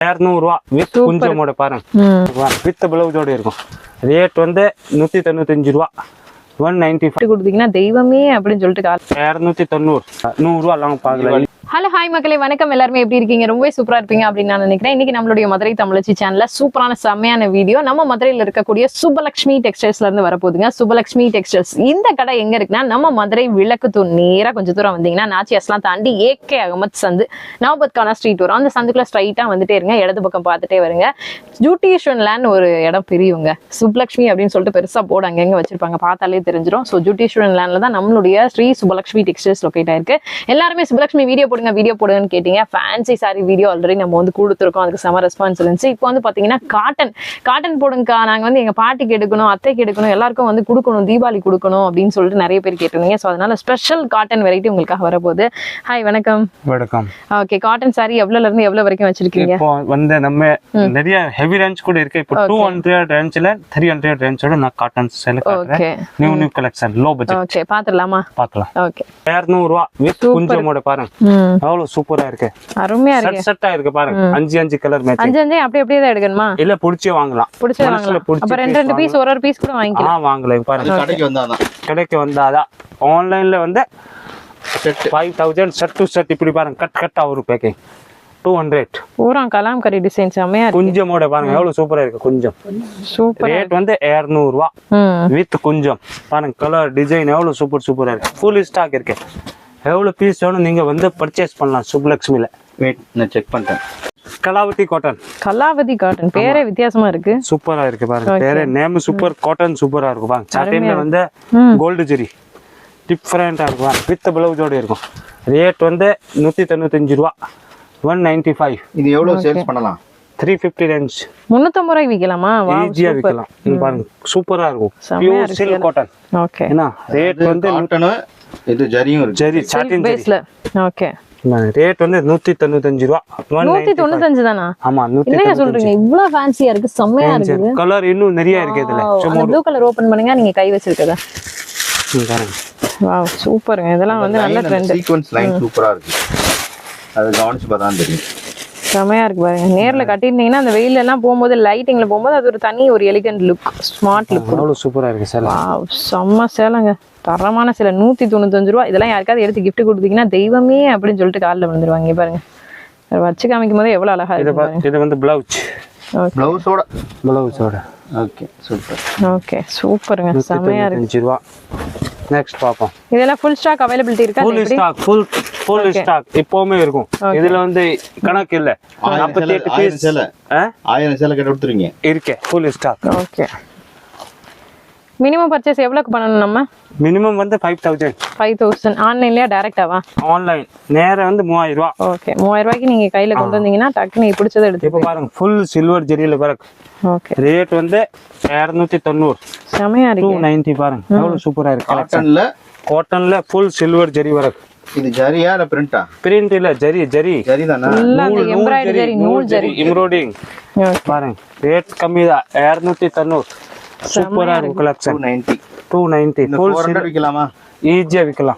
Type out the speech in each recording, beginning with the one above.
200 with குஞ்சமோட பாருங்க with பிளவுஸோட இருக்கும். Rate வந்து 195 ரூபா. 195 கொடுத்தீங்கன்னா தெய்வமே அப்படின்னு சொல்லிட்டு 290 100 ரூபா எல்லாம் பாக்கலாம். ஹலோ ஹாய் மக்களே, வணக்கம். எல்லாருமே எப்படி இருக்கீங்க? ரொம்பவே சூப்பரா இருப்பீங்க அப்படின்னு நான் நினைக்கிறேன். இன்னைக்கு நம்மளுடைய மதுரை தமிழச்சி சேனல்ல சூப்பரான செம்மையான வீடியோ நம்ம மதுரையில இருக்கக்கூடிய சுபலட்சுமி டெக்ஸ்டைல்ஸ்ல இருந்து வரப்போகுதுங்க. சுபலட்சுமி டெக்ஸ்டைல்ஸ் இந்த கடை எங்க இருக்குன்னா நம்ம மதுரை விளக்குத்தூர் நேரா கொஞ்சம் தூரம் வந்தீங்கன்னா நாச்சியாஸ்லாம் தாண்டி ஏகே அகமத் சந்து நவபத்கானா ஸ்ட்ரீட் வரும். அந்த சந்துக்குள்ள ஸ்ட்ரைட்டா வந்துட்டே இருங்க, இடது பக்கம் பார்த்துட்டே வருங்க. ஜூட்டிஷன் லேண்ட் ஒரு இடம் பிரியுங்க. சுபலட்சுமி அப்படின்னு சொல்லிட்டு பெருசா போர்டு அங்கங்க வச்சிருப்பாங்க, பார்த்தாலே தெரிஞ்சிடும். ஸோ ஜூட்டிஷன் லேண்ட்ல தான் நம்மளுடைய ஸ்ரீ சுபலட்சுமி டெக்ஸ்டைல்ஸ் லொக்கேட் ஆயிருக்கு. எல்லாருமே சுபலட்சுமி வீடியோ வீடியோ போடுன்னு கேட்டீங்க. ஃபேன்சி சாரி வீடியோ ஆல்ரெடி நம்ம வந்து கொடுத்துருக்கோம், அதுக்கு செம ரெஸ்பான்ஸ் இருந்துச்சு. இப்போ வந்து பாத்தீங்கன்னா காட்டன் போடுங்கக்கா, நாங்க வந்து எங்க பாட்டிக்கு எடுக்கணும், அத்தைக்கு எடுக்கணும், எல்லாருக்கும் வந்து கொடுக்கணும், தீபாவளி கொடுக்கணும் அப்படின்னு சொல்லிட்டு நிறைய பேர் கேட்டிருந்தீங்க. ஸோ அதனால ஸ்பெஷல் காட்டன் வெரைட்டி உங்களுக்காக வரப்போகுது. ஹாய், வணக்கம். வணக்கம். ஓகே, காட்டன் சாரி எவ்வளவுல இருந்து எவ்வளவு வரைக்கும் வச்சிருக்கீங்க? இப்போ வந்து நம்ம நிறைய ஹெவி ரேஞ்ச் கூட இருக்கு. இப்போ 200 ரேஞ்ச்ல 300 ரேஞ்சோட நான் காட்டன் செலக்ட் பண்றேன். New collection low budget. Okay, பாத்துடலாமா? பார்க்கலாம். ஓகே, 200 ரூபா வித் குஞ்சமோட பாருங்க அவ்வளவு சூப்பரா இருக்கு. அருமையா இருக்கு. செட்டா இருக்கு பாருங்க. 5 கலர் மேட்ச். 5 அப்படியே தான் எடுக்கணுமா? இல்ல புடிச்சே வாங்கலாம். புடிச்சே வாங்கலாம். அப்ப 2 பீஸ் ஒரு பீஸ் கூட வாங்கிக்கலாம். வாங்கலாம். பாருங்க, கடைக்கு வந்தாதான். ஆன்லைன்ல வந்து 5000 செட் டு செட் இப்படி பாருங்க, கட்டா ஒரு பேக்கிங் 200. பூரா கலாம்கரி டிசைன் செமையா இருக்கு. குஞ்சமோட பாருங்க எவ்வளவு சூப்பரா இருக்கு. குஞ்சம் சூப்பர். ரேட் வந்து 200 ரூபா வித் குஞ்சம். பாருங்க கலர் டிசைன் எவ்வளவு சூப்பரா இருக்கு. ஃபுல் ஸ்டாக் இருக்கு. எவ்வளவு பீஸ் வேணும் நீங்க வந்து பர்ச்சேஸ் பண்ணலாம் சுப்லக்ஷ்மில. வெயிட் நான் செக் பண்ணிட்டேன். கலாவதி காட்டன் பேரே வித்தியாசமா இருக்கு. சூப்பரா இருக்கு பாருங்க. பேரே நேம் சூப்பர் காட்டன் சூப்பரா இருக்கு பாருங்க. சாட்டின்ல வந்து கோல்டு ஜெரி டிஃபரெண்டா இருக்கு பாருங்க. வித் பிளவுஸோட இருக்கும். ரேட் வந்து 195 ரூபா. 195. இது எவ்வளவு சேல்ஸ் பண்ணலாம்? 350 ரேஞ்ச். 350 ரூபாய்க்கு விக்கலாமா? ஈஸியா விக்கலாம். பாருங்க சூப்பரா இருக்கும். Pure silk cotton. ஓகே. என்ன ரேட் வந்து காட்டன், இது ஜரியும் இருக்கு. ஜரி சாட்டின் பேஸ்ல. ஓகே. ரேட் வந்து 195 ரூபா. 195 தானா? ஆமா, 195. என்ன சொல்றீங்க? இவ்ளோ ஃபேன்சியா இருக்கு, செமையா இருக்கு. கலர் இன்னும் நிறைய இருக்கு இதுல. சும்மா ப்ளூ கலர் ஓபன் பண்ணுங்க, நீங்க கை வச்சிருக்கதா. பாருங்க. வாவ், சூப்பர்ங்க. இதெல்லாம் வந்து நல்ல ட்ரெண்ட். சீக்வென்ஸ் லைன் சூப்பரா இருக்கு. அது கவனிச்சு பார்த்தா தெரியும். செமையா இருக்கு பாருங்க. நேர்ல கட்டிருந்தீங்கன்னா அந்த வெயில்ல எல்லாம் போகும்போது, லைட்டிங்ல போகும்போது அது ஒரு தனி ஒரு எலிகன்ட் லுக், ஸ்மார்ட் லுக். அவ்வளவு சூப்பரா இருக்கு சார். வாவ், செம்ம சேலைங்க. தரமான சேலை. 195 ரூபா. இதெல்லாம் யாருக்காவது எடுத்து கிஃப்ட் கொடுத்தீங்கன்னா தெய்வமே அப்படின்னு சொல்லிட்டு காலில் விழுந்துருவாங்க. பாருங்க, வச்சு காமிக்கும் போது எவ்வளவு அழகா இருக்கு. இது வந்து பிளவுஸ். பிளவுஸோட. Okay, super. ஓகே, சூப்பருங்க. செமையா இருக்கு. 195 ரூபா. நெக்ஸ்ட் பாப்போம். இதெல்லாம் ஃபுல் ஸ்டாக் அவைலபிலிட்டி இருக்கா? ஃபுல் ஸ்டாக் எப்பவுமே இருக்கும். இதுல வந்து கணக்கு இல்ல. 48 பீஸ் சேலை 1000 சேலை கட்ட கொடுத்துறீங்க. இருக்கு full stock. Okay. Minimum purchase எவ்வளவுக்கு பண்ணணும் நம்ம? மினிமம் வந்து 5000. ஆன்லைன்லயா டைரக்டாவா? ஆன்லைன் நேரா வந்து 3000 ரூபாய். ஓகே, 3000 ரூபாய்க்கு நீங்க கையில கொண்டு வந்தீங்கன்னா டக்குனு நீங்க பிடிச்சதை எடுத்து. இப்போ பாருங்க ஃபுல் சில்வர் ஜெரியில பாருங்க. ஓகே. ரேட் வந்து 290. செமையா இருக்கு. 290 பாருங்க. எவ்வளவு சூப்பரா இருக்கு. காட்டன்ல ஃபுல் சில்வர் ஜெரி வர்க். இது ஜரியா இல்ல பிரிண்டா? பிரிண்ட் இல்ல, ஜரி தானா? இல்ல, எம்ப்ராய்டரி நூல் ஜரி எம்ப்ராய்டிங். பாருங்க ரேட் கம்மி தான். 290. சூப்பரா இருக்கு கலெக்ஷன். 290. ஃபுல் 400 விக்கலாமா? ஈஸியா விக்கலாம்.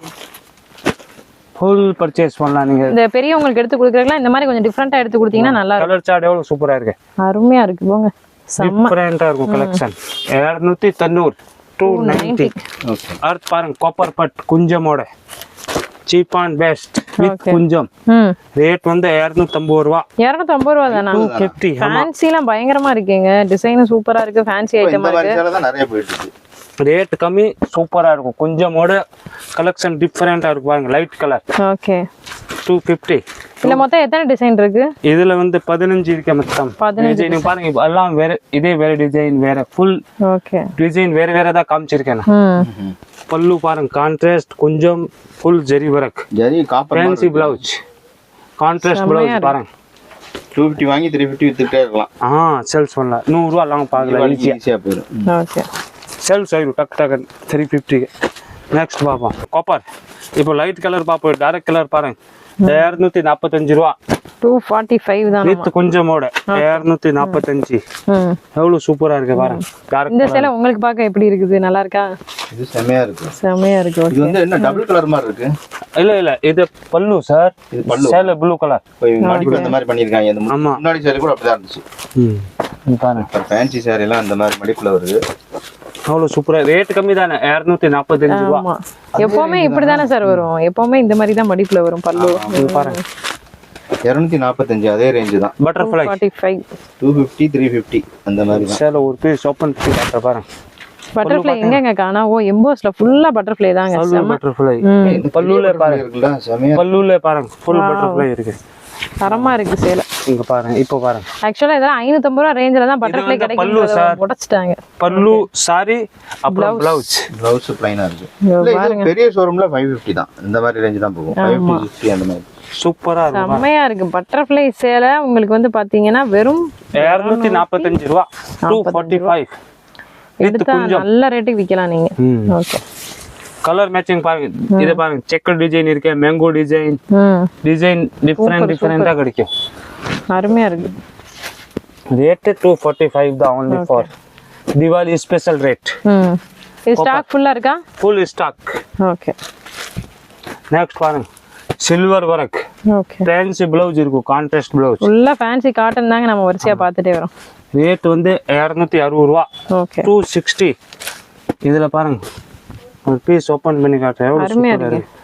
ஃபுல் பர்ச்சேஸ் பண்ணலாம். நீங்க இந்த பெரியவங்களுக்கு எடுத்து கொடுக்கறீங்களா? இந்த மாதிரி கொஞ்சம் டிஃபரண்டா எடுத்து கொடுத்தீங்கன்னா நல்லா இருக்கும். கலர் சார்ட் எவ்வளவு சூப்பரா இருக்கு. அருமையா இருக்கு போங்க. டிஃபரெண்டா இருக்கும் கலெக்ஷன். 290. 290. ஓகே. அடுத்து பாருங்க காப்பர் பட் குஞ்சமோட சீப் அண்ட் பெஸ்ட் வித் குஞ்சம். ரேட் வந்து 250 ரூபா. 250 ரூபா தானா? 250. ஃபேன்சிலாம் பயங்கரமா இருக்கீங்க. டிசைன் சூப்பரா இருக்கு. ஃபேன்சி ஐட்டமா இருக்கு. இதெல்லாம் நிறைய போயிட்டு இருக்கு. ரேட் கம்மி, சூப்பரா இருக்கும். குஞ்சமோட கலெக்ஷன் டிஃபரெண்டா இருக்கு பாருங்க. Light colour. ஓகே. 250. இல்ல மொத்தம் எத்தனை டிசைன் இருக்கு? இதுல வந்து 15 இருக்கு மொத்தம். 15 டிசைன் பாருங்க. எல்லாம் வேற, இதே வேற டிசைன் வேற. ஃபுல் ஓகே டிசைன் வேற தான் காமிச்சிருக்கேன். பல்லு பாருங்க கான்ட்ராஸ்ட் குஞ்சம் full zari work. Zari copper fancy blouse. Contrast blouse பாருங்க. 250 வாங்கி 350 வித்துட்டே இருக்கலாம். சேல்ஸ் பண்ணலாம். 100 ரூபாய் எல்லாம் பார்க்கலாம். ஈஸியா போயிடும். ஓகே. சேல்ஸ் ஆயிடும் டக் 350. நெக்ஸ்ட் பார்ப்போம் காப்பர். இப்போ லைட் கலர் பார்ப்போம், டார்க் கலர் பாருங்க 245 ரூபா. 245 தான். வித் கொஞ்சமோட 245. எவ்வளவு சூப்பரா இருக்கு பாருங்க. டார்க் இந்த சேலை உங்களுக்கு பார்க்க எப்படி இருக்குது? நல்லா இருக்கா? இது செமையா இருக்கு. செமையா இருக்கு. இது வந்து என்ன டபுள் கலர் மாதிரி இருக்கு? இல்ல இது பல்லு சார். இது பல்லு. சேலை ப்ளூ கலர். மடிப்பு இந்த மாதிரி பண்ணிருக்காங்க. இந்த முன்னாடி சாரி கூட அப்படிதான் இருந்துச்சு. பாருங்க ஃபேன்சி சாரி எல்லாம் அந்த மாதிரி மடிப்புல வருது. அவ்வளவு சூப்பரா. ரேட் கம்மி தானே 245 ரூபா. ஆமா, எப்பவுமே இப்படிதானே சார் வரும். எப்பவுமே இந்த மாதிரி தான் மடிப்புல வரும் பல்லு. பாருங்க 245 அதே ரேஞ்ச் தான். பட்டர்ஃப்ளை 45 250 350 அந்த மாதிரி தான். சேலை ஒரு பீஸ் ஓபன் பண்ணி காட்டுற பாருங்க. பட்டர்ஃப்ளை எங்கங்க காணா? ஓ எம்போஸ்ல ஃபுல்லா பட்டர்ஃப்ளை தாங்க. பட்டர்ஃப்ளை பல்லுல பாருங்க. செமையா பல்லுல பாருங்க ஃபுல் பட்டர்ஃப்ளை இருக்கு. தரமா இருக்கு சேலை. இங்க பாருங்க. இப்போ பாருங்க ஆக்சுவலா இதெல்லாம் 550 ரூபாய் ரேஞ்சில தான் பட்டர்ஃப்ளை கிடைக்கும். பல்லு சார் உடைச்சிட்டாங்க. பல்லு சாரி அப்புறம் பிளவுஸ் பிளைனா இருக்கு. இல்ல இது பெரிய ஷோரூம்ல 550 தான். இந்த மாதிரி ரேஞ்ச் தான் போகும். 550 அந்த மாதிரி சூப்பரா இருக்கு. செம்மையா இருக்கு. பட்டர்ஃப்ளை சேலை உங்களுக்கு வந்து பாத்தீங்கன்னா வெறும் 245 ரூபாய். 245. எடுத்தா நல்ல ரேட்டுக்கு விக்கலாம் நீங்க. ஓகே. கலர் மேட்சிங் பாருங்க. இது பாருங்க செக்கர் டிசைன் இருக்கு, மேங்கோ டிசைன். டிசைன் டிஃபரெண்டா கிடைக்கும். அருமையா இருக்கு. ரேட் 245 தான் only for Diwali special rate. இது ஸ்டாக் ஃபுல்லா இருக்கா? Full stock. ஓகே. நெக்ஸ்ட் பாருங்க silver work. Okay. Fancy blouse இருக்கும், கான்ட்ராஸ்ட் ப்ளவுஸ். ஃபுல்லா ஃபேன்சி காட்டன் தாங்க நம்ம வரிசையா பார்த்துட்டே வரோம். ரேட் வந்து 260 ரூபா. ஓகே. 260. இதுல பாருங்க ஒரு பீஸ் ஓபன் பண்ணி காட்டுறேன். எவ்வளவு அருமையா சூப்பரா இருக்கு.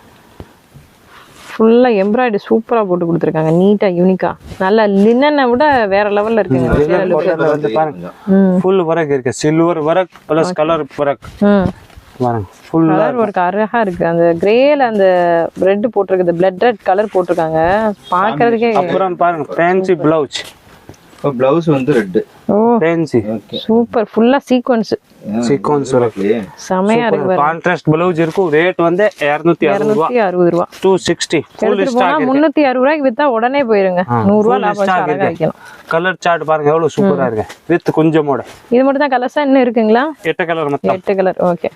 ஃபுல்லா எம்ப்ராய்டரி சூப்பரா போட்டு கொடுத்துருக்காங்க. நீட்டா யூனிக்கா. நல்ல லினனை விட வேற லெவல்ல இருக்குங்க. வந்து பாருங்க ஃபுல் வர்க் இருக்கு. Silver work plus colour work. பாருங்க ஃபுல் கலர் ஒர்க் அழகா இருக்கு. அந்த கிரேல அந்த ரெட் போட்டிருக்குது, பிளட் ரெட் கலர் போட்டிருக்காங்க. பாக்குறதுக்கே. அப்புறம் பாருங்க ஃபேன்சி ப்ளவுஸ். பிளவுஸ் வந்து ரெட். Oh fancy super. ஃபுல்லா சீக்வென்ஸ். Sequins work. செமையா இருக்கு. கான்ட்ராஸ்ட் ப்ளவுஸ் இருக்கும். ரேட் வந்து 260 ரூபாய். 260. 260. Full stock. 360 ரூபாய்க்கு வித்தா உடனே போயிருங்க. 100 ரூபாய் லாபம் அழகா வைக்கலாம். கலர் சார்ட் பாருங்க எவ்வளவு சூப்பரா இருக்கு. வித் கொஞ்சமோட. இது மட்டும் தான் கலர்ஸா இன்னும் இருக்குங்களா? 8 கலர் மொத்தம். 8 கலர். ஓகே.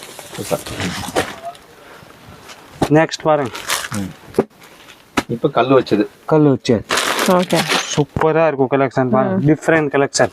நெக்ஸ்ட் பாருங்க இப்ப கல்லு வச்சது. கல்லு வச்சது. ஓகே. சூப்பரா இருக்கும் கலெக்ஷன் பாருங்க. Different collection.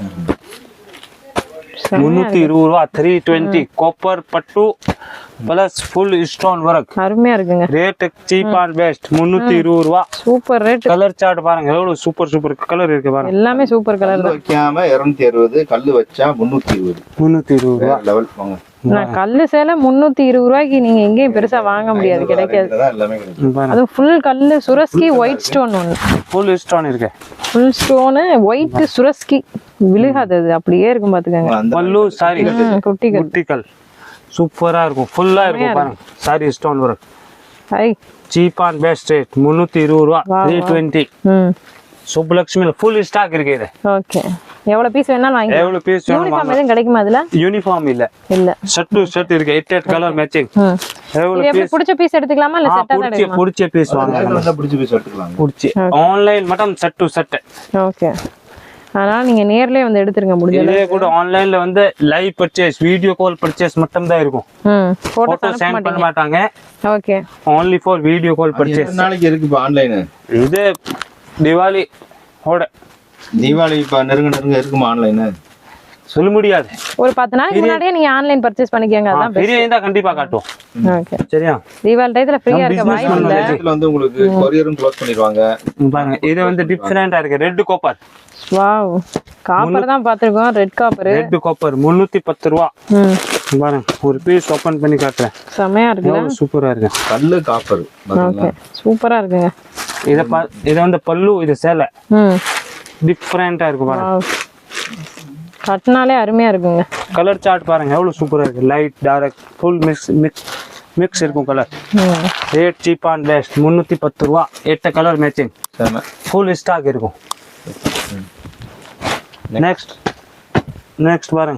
320 ரூபா. 320 காப்பர் பட்டு பிளஸ் ஃபுல் ஸ்டோன் வர்க். அருமையா இருக்குங்க. ரேட் சீப் அண்ட் பெஸ்ட் 320 ரூபா. Super rate. கலர் சார்ட் பாருங்க எவ்வளவு சூப்பர் கலர் இருக்கு பாருங்க. எல்லாமே சூப்பர் கலர் தான். வைக்காம 260, கல்லு வச்சா 320. 320 ரூபா லெவல் வாங்க. நான் கல்லு சேலை 320 ரூபாய்க்கு நீங்க எங்கேயும் பெருசா வாங்க முடியாது, கிடைக்காது. எல்லாமே கிடைக்கும். அது ஃபுல் கல்லு சுரஸ்கி ஒயிட் ஸ்டோன் ஒன்று. ஃபுல் ஸ்டோன் இருக்கு. ஃபுல் ஸ்டோனு ஒயிட் சுரஸ்கி விழுகாது. அது அப்படியே இருக்கும் பாத்துக்கங்க. பல்லு சாரி குட்டிகள். குட்டிகள் சூப்பரா இருக்கும். ஃபுல்லா இருக்கும் பாருங்க. Sari stone work. High cheap and best rate 320 ரூபா. 320. சுப்புலட்சுமி ஃபுல் ஸ்டாக் இருக்கு. இது ஓகே. எவ்வளவு பீஸ் வேணாலும் வாங்கி. எவ்வளவு பீஸ் வேணும்? யூனிஃபார்ம் எதுவும் கிடைக்குமா அதுல? யூனிஃபார்ம் இல்ல. ஷர்ட் டு ஷர்ட் இருக்கு. 8 கலர் மேட்சிங். எவ்வளவு பீஸ்? பிடிச்ச பீஸ் எடுத்துக்கலாமா இல்ல செட்டா தான் எடுக்கலாமா? பிடிச்ச பீஸ் வாங்க. பிடிச்ச பீஸ் எடுத்துக்கலாம். பிடிச்சி ஆன்லைன் மட்டும் ஷர்ட் டு ஷர்ட். ஓகே. அதனால நீங்க நேர்லயே வந்து எடுத்துருங்க முடியல. இதே கூட ஆன்லைன்ல வந்து live purchase, video call purchase மட்டும் தான் இருக்கும். போட்டோ சென்ட் பண்ண மாட்டாங்க. ஓகே. only for video call purchase. எத்தனை நாளைக்கு இருக்கு இப்ப ஆன்லைன்? இது தீபாவளி ஓட. தீபாவளி இப்ப நெருங்க இருக்குமா ஆன்லைன்? சொல்ல முடியாது. ஒரு 10 நாளைக்கு முன்னாடியே நீங்க ஆன்லைன் பர்ச்சேஸ் பண்ணிக்கங்க. அதான் ஃப்ரீயா இருந்தா கண்டிப்பா காட்டுவோம். ஓகே. சரியா? தீபாவளி டைத்துல ஃப்ரீயா இருக்க வாய்ப்பு இல்ல. இதுல வந்து உங்களுக்கு கொரியரும் க்ளோஸ் பண்ணிடுவாங்க. பாருங்க இது வந்து டிஃபரெண்டா இருக்கு. Red copper. வாவ். காப்பர் தான் பாத்துறோம். Red copper. ரெட் காப்பர் 310 ரூபா. பாருங்க ஒரு பீஸ் ஓபன் பண்ணி காட்டுறேன். செமையா இருக்குல. சூப்பரா இருக்கு. கல்லு காப்பர். ஓகே. சூப்பரா இருக்குங்க. இத வந்து பல்லு, இது சேலை. டிஃபரெண்டா இருக்கு பாருங்க. கட்னாலே அருமையா இருக்குங்க. கலர் சார்ட் பாருங்க எவ்வளவு சூப்பரா இருக்கு. லைட் டார்க் ஃபுல் மிக்ஸ் இருக்கும் colour. Rate cheap and best 310 ரூபா. 8 கலர் மேட்சிங். ஃபுல் ஸ்டாக் இருக்கும். நெக்ஸ்ட் பாருங்க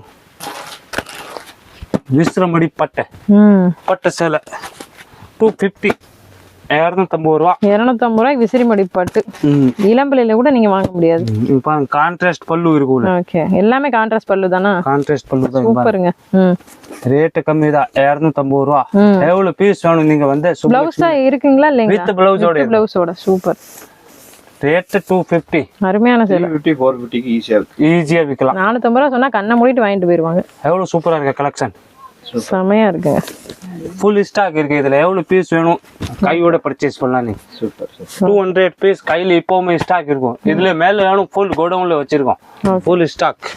விஸ்ரமடி பட்டை. பட்டை சேலை 250. 250 ரூபா. 250 ரூபாய் விசிறிமடி பட்டு. இளம்பிள்ளையில கூட நீங்க வாங்க முடியாது. பாருங்க கான்ட்ராஸ்ட் பல்லு இருக்கு. ஓகே, எல்லாமே கான்ட்ராஸ்ட் பல்லு தானா? கான்ட்ராஸ்ட் பல்லு தான். சூப்பருங்க. ரேட் கம்மி தான், 250 ரூபா. எவ்வளவு பீஸ் வேணும் நீங்க வந்து பிளவுஸ் இருக்குங்களா இல்லையா? வித் பிளவுஸோட. பிளவுஸோட சூப்பர். ரேட் 250. அருமையான சேலை. 350 450 க்கு ஈஸியா விக்கலாம். 450 ரூபா சொன்னா கண்ணை மூடிட்டு வாங்கிட்டு போயிருவாங்க. எவ்வளவு சூப்பரா இருக்கு கலெக்ஷன். செமையா இருக்குங்க. ஃபுல் ஸ்டாக் இருக்கு. இதுல எவ்வளவு பீஸ் வேணும் கையோட பர்ச்சேஸ் பண்ணலாம். நீ சூப்பர். 200 பீஸ் கையில இப்பவுமே ஸ்டாக் இருக்கும். இதுல மேல வேணும் ஃபுல் கோடவுன்ல வச்சிருக்கோம். Full stock.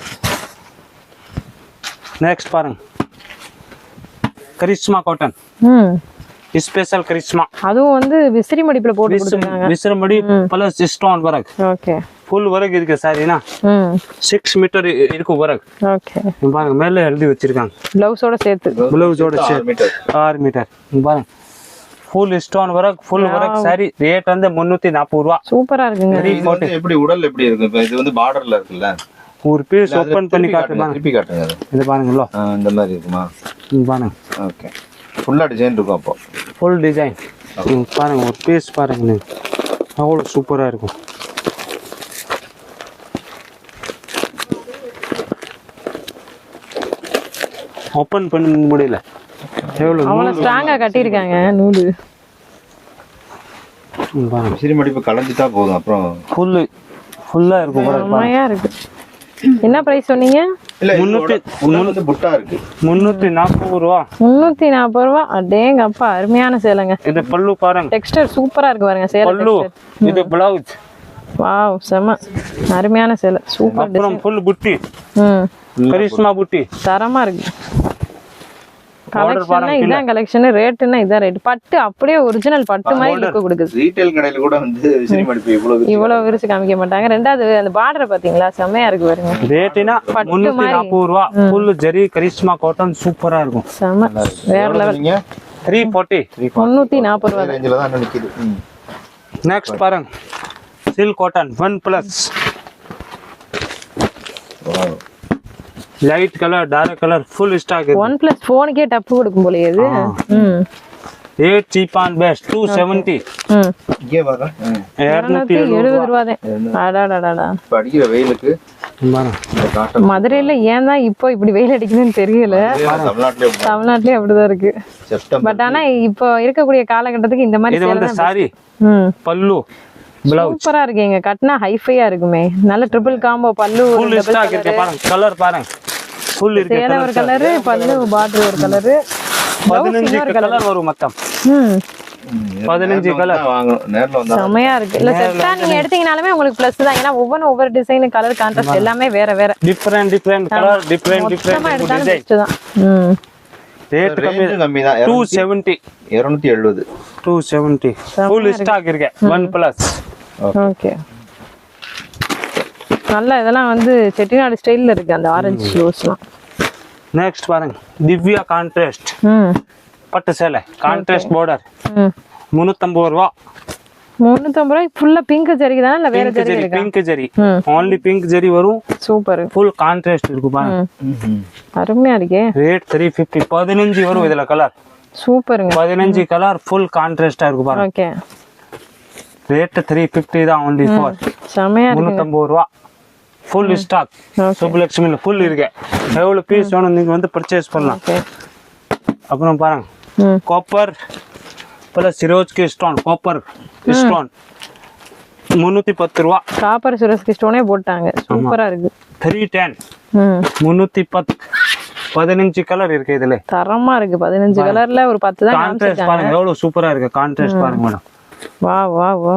நெக்ஸ்ட் பாருங்க, கரிஷ்மா காட்டன். ஸ்பெஷல் கரிஷ்மா. அதுவும் வந்து விசிறி மடிப்புல போட்டு கொடுத்திருக்காங்க. விசிறி மடி plus stone work. Okay, full work இருக்கு சாரினா. 6 மீட்டர் இருக்கு வர்க். ஓகே, பாருங்க மேல எழுதி வச்சிருக்காங்க. பிளவுஸோட சேர்த்து. பிளவுஸோட சேர்த்து 6 மீட்டர். பாருங்க full stone work, full work sari. Rate வந்து 340 ரூபா. சூப்பரா இருக்குங்க. இது வந்து எப்படி உடல் எப்படி இருக்கு? இப்ப இது வந்து பார்டர்ல இருக்குல்ல, ஒரு பீஸ் ஓபன் பண்ணி காட்டுங்க. திருப்பி காட்டுங்க. இது பாருங்களோ, இந்த மாதிரி இருக்குமா? பாருங்க. ஓகே, ஃபுல்லா டிசைன் இருக்கும். அப்போ ஃபுல் டிசைன் பாருங்க. ஒரு பீஸ் பாருங்க, நீங்க அவ்வளோ சூப்பரா இருக்கும். ஓபன் பண்ண முடியல. அவ்வளவு ஸ்ட்ராங்கா கட்டியிருக்காங்க நூலு. பாருங்க விசிறி மடிப்பு கலந்துட்டா போதும். அப்புறம் ஃபுல்லா இருக்கும். செமையா இருக்கு. என்ன பிரைஸ் சொன்னீங்க? இல்ல 300 புட்டா இருக்கு. 340 ரூபா. 340 ரூபா. அடேங்க அப்பா, அருமையான சேலைங்க. இது பல்லு பாருங்க. டெக்ஸ்டர் சூப்பரா இருக்கு பாருங்க சேலை. பல்லு இது பிளவுஸ். வாவ், செம அருமையான சேலை. சூப்பர். அப்புறம் ஃபுல் புட்டி. கரிஷ்மா புட்டி தரமா இருக்கு. கலெக்ஷன் இதான் கலெக்ஷன். ரேட்னா இதான் ரேட். பட்டு அப்படியே ஒரிஜினல் பட்டு மாதிரி லுக் கொடுக்குது. ரீட்டைல் கடையில கூட வந்து விசிறி மடிப்பு இவ்வளவு விரிச்சு காமிக்க மாட்டாங்க. ரெண்டாவது அந்த பார்டர் பாத்தீங்களா, செமையா இருக்கு பாருங்க. ரேட்னா 340 ரூபா. ஃபுல் ஜரி கரிஷ்மா காட்டன் சூப்பரா இருக்கும். செம வேற லெவல். 340. 340 ரூபா ரேஞ்சில தான் நிக்குது. நெக்ஸ்ட் பாருங்க, silk cotton 1+. Light colour, dark colour, full stock இருக்கு. 1+ போனுக்கே டப்பு கொடுக்கும் போல இது. Rate cheap and best 270. இங்கே வர 270 ரூபா தான். அடடடடா. இப்ப அடிக்கிற வெயிலுக்கு இந்த காட்டன் மதுரையில ஏன் தான் இப்போ இப்படி வெயில் அடிக்குதுன்னு தெரியல. தமிழ்நாட்டிலே அப்படிதான் இருக்கு. பட் ஆனா இப்போ இருக்கக்கூடிய காலகட்டத்துக்கு இந்த மாதிரி இது வந்து சாரி பல்லு பிளவுஸ் சூப்பரா இருக்குங்க. கட்னா ஹைஃபையா இருக்குமே. நல்ல ட்ரிபிள் காம்போ பல்லு. ஃபுல் ஸ்டாக் இருக்கு பாருங்க. கலர் பாருங்க, ஃபுல் இருக்கு. சேலை ஒரு கலர், பல்லு பார்டர் ஒரு கலர். 15 கலர் வரும் மொத்தம். 15 கலர் வாங்கணும். நேர்ல வந்தா செமையா இருக்கு. இல்ல செட்டா நீங்க எடுத்தீங்கனாலுமே உங்களுக்கு பிளஸ் தான். ஏன்னா ஒவ்வொரு டிசைன், கலர், கான்ட்ராஸ்ட் எல்லாமே வேற வேற. Different colour, different design. Rate கம்மி தான். 270. 270 ஃபுல் ஸ்டாக் இருக்கு. 1+. ஓகே, நல்ல இதெல்லாம் வந்து செட்டிநாடு ஸ்டைல்ல இருக்கு அந்த ஆரஞ்சு ஷூஸ்லாம். நெக்ஸ்ட் பாருங்க, திவ்யா கான்ட்ராஸ்ட் பட்டு சேலை, கான்ட்ராஸ்ட் பார்டர். 350 ரூபா. 350 ரூபாய். ஃபுல்லா பிங்க் ஜரி தானே இல்ல வேற ஜரி இருக்கா? Pink zari, only pink zari வரும். சூப்பர். ஃபுல் கான்ட்ராஸ்ட் இருக்கு பாருங்க. அருமையா இருக்கே. ரேட் 350. 15 வரும் இதுல கலர். சூப்பருங்க. 15 கலர் ஃபுல் கான்ட்ராஸ்டா இருக்கு பாருங்க. ஓகே, ரேட் 350 தான் only for. செமையா இருக்கு. 350 ரூபா. Full stock. சுப்புலட்சுமில ஃபுல் இருக்கு. எவ்வளவு பீஸ் வேணும் நீங்க வந்து பர்ச்சேஸ் பண்ணலாம். அப்புறம் பாருங்க, காப்பர் பிளஸ் சிரோஜ்கி ஸ்டோன், காப்பர் ஸ்டோன் 310 ரூபா. காப்பர் சிரோஜ்கி ஸ்டோனே போட்டாங்க. சூப்பரா இருக்கு. 310. 310. 15 கலர் இருக்கு இதுல. தரமா இருக்கு. 15 கலர்ல ஒரு 10 தான் கான்ட்ராஸ்ட் பாருங்க எவ்வளவு சூப்பரா இருக்கு. கான்ட்ராஸ்ட் பாருங்க மேடம். வா வா வா.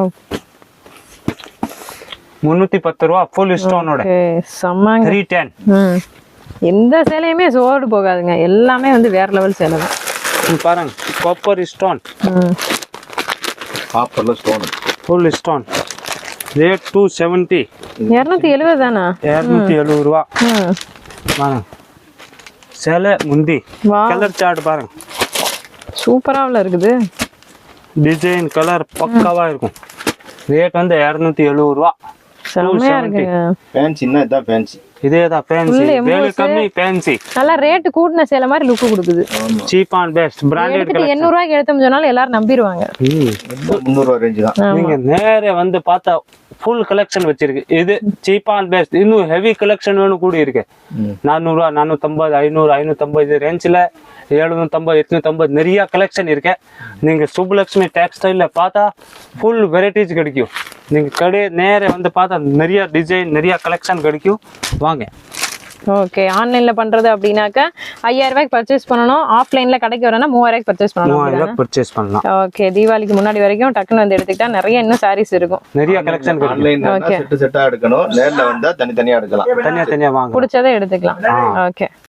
310 ரூபா ஃபுல் ஸ்டோனோட. சம்மாங்க. 310. எந்த சேலையுமே சோடு போகாதுங்க. எல்லாமே வந்து வேற லெவல் சேலை தான். பாருங்க, காப்பர் ஸ்டோன். காப்பர்ல ஸ்டோன் ஃபுல் ஸ்டோன். ரேட் 270. 270 தானா? 270 ரூபா. பாருங்க சேலை முந்தி. கலர் சார்ட் பாருங்க, சூப்பராவில் இருக்குது. டிசைன் கலர் பக்காவா இருக்கும். ரேட் வந்து 270 ரூபா. செம்மையா இருக்குங்க. ஃபேன்சினா இதான் ஃபேன்சி. இதேதான் ஃபேன்சி Full வேலை emos. கம்மி ஃபேன்சி நல்லா ரேட் கூட்டின சேலை மாதிரி லுக் கொடுக்குது. சீப் அண்ட் பெஸ்ட் பிராண்டட் எடுத்துட்டு 800 ரூபாய்க்கு எடுத்தோம் சொன்னாலும் எல்லாரும் நம்பிடுவாங்க. 300 ரூபா ரேஞ்சு தான். நீங்க நேரே வந்து பார்த்தா ஃபுல் கலெக்ஷன் வச்சிருக்கு. இது சீப் அண்ட் பெஸ்ட். இன்னும் ஹெவி கலெக்ஷன் வேணும் கூட இருக்கு. 400 ரூபா 450 500 550 ரேஞ்சில் 750 850 நிறைய கலெக்ஷன் இருக்கு. நீங்க சுப்புலட்சுமி டெக்ஸ்டைல்ல பார்த்தா ஃபுல் வெரைட்டிஸ் கிடைக்கும். நீங்க கடை நேரே வந்து பார்த்தா நிறைய டிசைன் நிறைய கலெக்ஷன் கிடைக்கும். வாங்க. ஓகே, ஆன்லைன்ல பண்றது அப்படின்னாக்கா 5000 ரூபாய்க்கு பர்ச்சேஸ் பண்ணணும். ஆஃப்லைன்ல கடைக்கு வரனா 3000 ரூபாய்க்கு பர்ச்சேஸ் பண்ணணும். 3000 ரூபாய் பர்ச்சேஸ் பண்ணலாம். ஓகே, தீபாவளிக்கு முன்னாடி வரைக்கும் டக்குன்னு வந்து எடுத்துக்கிட்டா நிறைய இன்னும் சாரீஸ் இருக்கும். நிறைய கலெக்ஷன் கிடைக்கும். ஆன்லைன்ல செட் செட்டா எடுக்கணும். நேர்ல வந்தா தனித்தனியா எடுக்கலாம். தனியா தனியா வாங்க. பிடிச்சதை எடுத்துக்கலாம். ஓகே.